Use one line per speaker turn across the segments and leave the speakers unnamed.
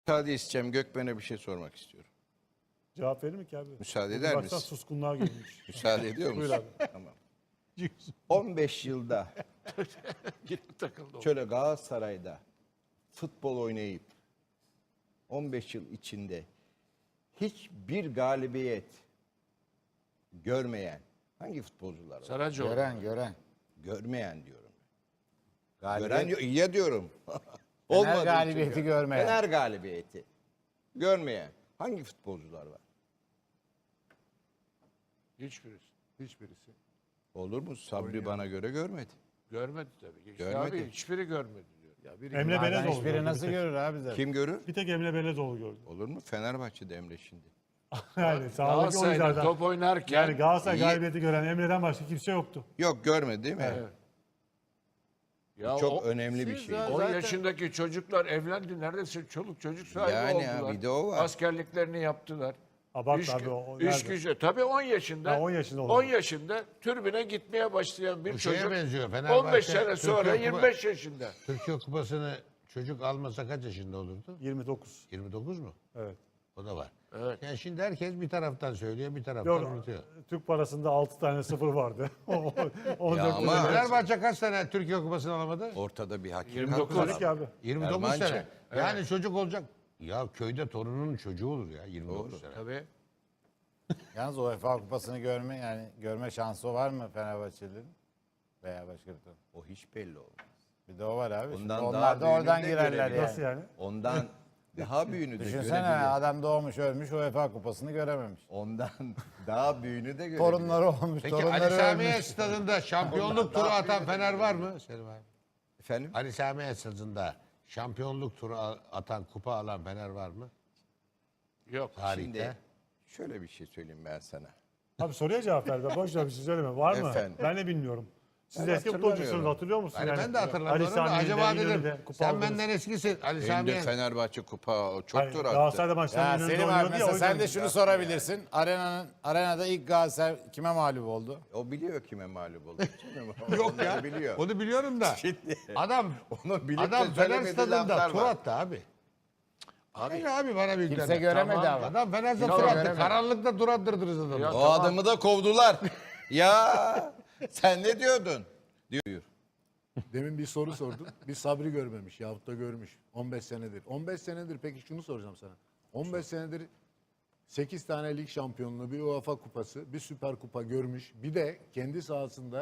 Müsaade isteyeceğim. Gökmen'e bir şey sormak istiyorum.
Cevap verir mi ki abi?
Müsaade eder
Baksana
misin?
suskunluğa girmiş.
Müsaade ediyor musun?
Buyur abi.
Tamam. 15 yılda şöyle Galatasaray'da futbol oynayıp 15 yıl içinde hiçbir galibiyet görmeyen hangi futbolcular var?
Saracoğlu.
Gören.
Görmeyen diyorum.
Galibiyet,
Gören ya diyorum.
Fener
Olmadığı için
galibiyeti
diyorum.
görmeyen.
Fener galibiyeti görmeyen hangi futbolcular var?
Hiçbirisi.
Hiçbirisi.
Olur mu? Sabri bana göre görmedi.
Görmedi tabii. İşte
Görmedi.
abi hiçbiri görmedi diyor. Ya biri
Emre
Zaten
Belezoğlu
hiçbiri
gördü
nasıl
bir tek.
görür abi zaten?
Kim görür?
Bir tek Emre Belezoğlu gördü.
Olur mu? Fenerbahçe'de Emre şimdi.
Yani sağdaki
Galatasaray'da
oyunculardan.
top oynarken
Yani Galatasaray
İyi.
galibiyeti gören Emre'den başka kimse yoktu.
Yok görmedi değil mi?
Evet. Ya
Çok önemli bir şey.
10 yaşındaki çocuklar evlendi. Neredeyse çoluk çocuk sahibi
Yani
oldular.
bir de o var.
Askerliklerini yaptılar.
Abart abi o.
İş
nerede?
gücü. Tabii 10 yaşında.
Ha, 10 yaşında
10
olan.
yaşında türbüne gitmeye başlayan bir
Bu şeye
çocuk.
benziyor, Fenerbahçe,
15 sene sonra
Türkiye Kupa-
25 yaşında.
Türkiye Kupası'nı çocuk almasa kaç yaşında olurdu?
29.
29 mu?
Evet.
O da var.
Evet.
Yani şimdi herkes bir taraftan söylüyor, bir taraftan
Yok,
unutuyor.
Türk parasında 6 tane sıfır vardı. 14
ama-
tane.
Fenerbahçe kaç sene Türkiye Kupası'nı alamadı?
Ortada bir hakikat
29.
var.
Dedik abi.
29
Ermançı.
sene. Yani çocuk olacak. Ya köyde torunun çocuğu olur ya 29 sene.
Tabii.
Yalnız UEFA Kupası'nı görme şansı var mı Fenerbahçelilerin? Veya başka bir takım.
O hiç belli olmaz.
Bir de o var abi.
Ondan
Şimdi
daha
onlar da
büyüğünü
oradan
de
girerler
görebilir.
yani.
Nasıl yani?
Ondan daha büyüğünü de
Düşünsene
görebilir.
adam doğmuş ölmüş UEFA Kupası'nı görememiş.
Ondan daha büyüğünü de görebilir.
Torunları olmuş,
Peki Ali
torunları
Samiye
ölmüş.
stadında şampiyonluk turu atan Fener var mı? Selim abi.
Efendim?
Ali Samiye stadında şampiyonluk turu atan, kupa alan Fener var mı?
Yok.
Tarihte.
Şimdi şöyle bir şey söyleyeyim ben sana.
Abi soruya cevap ver. Boş ver bir şey söyleme. Var mı?
Efendim?
Ben de bilmiyorum. Siz
Ben
eski futbolcusunuz
hatırlamıyorum.
hatırlıyor musun?
Yani ben de hatırlamıyorum da
Sami'nin de,
acaba
İnönü'nde
dedim
kupa
sen
aldınız.
benden eskisin Ali
Benim de
Samiye.
Fenerbahçe kupa
Hayır,
çoktur attı.
Galatasaray'da maçtan
Ya
İnönü'de
Selim abi
oynuyordu ya,
mesela
o
sen
yüzden.
de şunu sorabilirsin. Arenada ilk Galatasaray kime mağlup oldu?
O biliyor kime mağlup oldu.
Yok
Onları
ya.
biliyor.
Onu biliyorum da. Adam
Onu bilip
adam
de
Fener
söylemediği
stadında
laflar
tur
var.
attı abi. Abi bana bir
Kimse göremedi ama.
Adam Fener'de tur
Kimse
attı.
göremedi.
Karanlıkta tur attırdınız adamı.
Ya
O adamı da kovdular. Ya sen ne diyordun? Diyor.
Demin bir soru sordum. Bir Sabri görmemiş yahut da görmüş. 15 senedir. 15 senedir peki şunu soracağım sana. 15 senedir 8 tane lig şampiyonluğu, bir UEFA kupası, bir süper kupa görmüş. Bir de kendi sahasında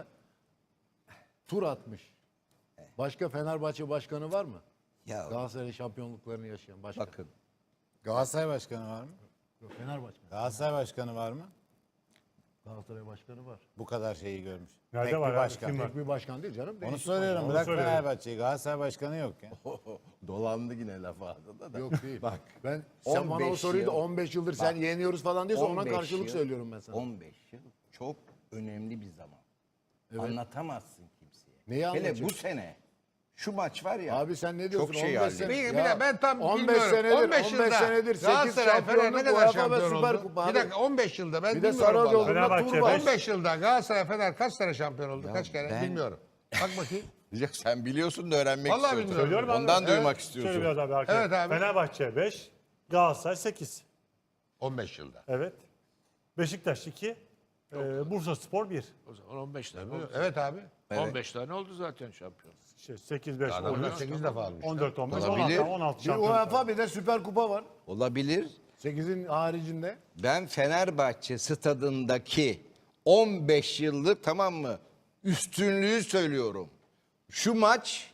tur atmış. Başka Fenerbahçe başkanı var mı?
Ya
Galatasaray şampiyonluklarını yaşayan başka.
bakın.
Galatasaray başkanı var mı?
Yok, Fenerbahçe.
Galatasaray başkanı var mı?
Galatasaray başkanı var.
Bu kadar şeyi görmüş.
Nerede
Tek
var
bir
abi?
başkan.
Kim var?
Tek bir başkan değil canım.
Onu
değişik
soruyorum.
Onu
Bırak
söylüyorum.
Fenerbahçe'yi. Galatasaray başkanı yok ya.
Dolandı yine laf ağzında da.
Yok değil.
Bak.
Ben sen bana o
15
soruyu da
yıl.
15 yıldır sen yeniyoruz falan diyorsa ona
15
karşılık
yıl-
söylüyorum ben sana.
15 yıl çok önemli bir zaman. Anlatamazsın kimseye.
Neyi
Hele
anlatacak?
bu sene şu maç var ya.
Abi sen ne diyorsun?
Çok şey
15 sene-
halledildi.
Bir dakika, ben tam
15
bilmiyorum.
senedir,
15 yılda
15 senedir 8
Galatasaray Fener ne
şampiyonluk,
kadar
UEFA ve
şampiyon
Süper
oldu?
Kupa
Bir
abi.
dakika 15 yılda ben
Bir de
bilmiyorum vallahi.
Saracoğlu'nda
Fenerbahçe
tur var.
15 yılda Galatasaray Fener kaç tane şampiyon oldu? Kaç kere?
ben-
Bilmiyorum. Bak bakayım.
Ya sen biliyorsun da öğrenmek
Vallahi
istiyorsun.
bilmiyorum.
Söylüyorum abi.
Ondan
Evet.
duymak
Şöyle
istiyorsun.
biraz abi arkaya.
Evet abi.
Fenerbahçe 5, Galatasaray 8.
15 yılda.
Evet. Beşiktaş 2, Bursa Spor 1.
O zaman 15 tane oldu.
Evet abi.
15 tane oldu zaten şampiyon.
8, 5,
Adamlar
14,
8 defa almışlar.
14, 15,
Olabilir.
16
Bir
şampiyon.
UEFA bir de Süper Kupa var.
Olabilir.
8'in haricinde.
Ben Fenerbahçe stadındaki 15 yıllık tamam mı üstünlüğü söylüyorum. Şu maç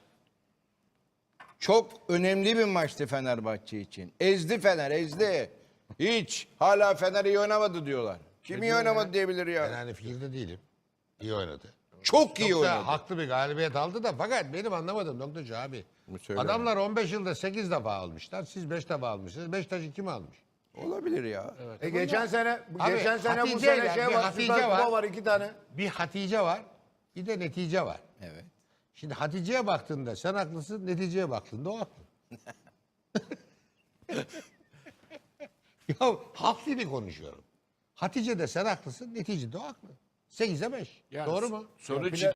çok önemli bir maçtı Fenerbahçe için. Ezdi Fener, ezdi. Hiç. Hala Fener iyi oynamadı diyorlar. Kim iyi oynamadı diyebilir
Ben
ya.
aynı fikirde değilim. İyi oynadı.
Çok iyi
Çok da
oynadı.
haklı bir galibiyet aldı da fakat benim anlamadığım noktacı abi.
Söyle.
Adamlar 15 yılda 8 defa almışlar. Siz 5 defa almışsınız. Beşiktaş'ı kim almış?
Olabilir ya.
Geçen sene
Abi,
geçen sene bu
Hatice
sene
ile
şey
bir
var.
Hatice
Süper Kupa
var.
var 2 tane.
Bir Hatice var, bir de netice var.
Evet.
Şimdi Hatice'ye baktığında sen haklısın, neticeye baktığında o haklı. Ya halk dili konuşuyorum. Hatice'de sen haklısın, neticede o haklı. 8'e 5.
Yani
Doğru mu?
Sonuç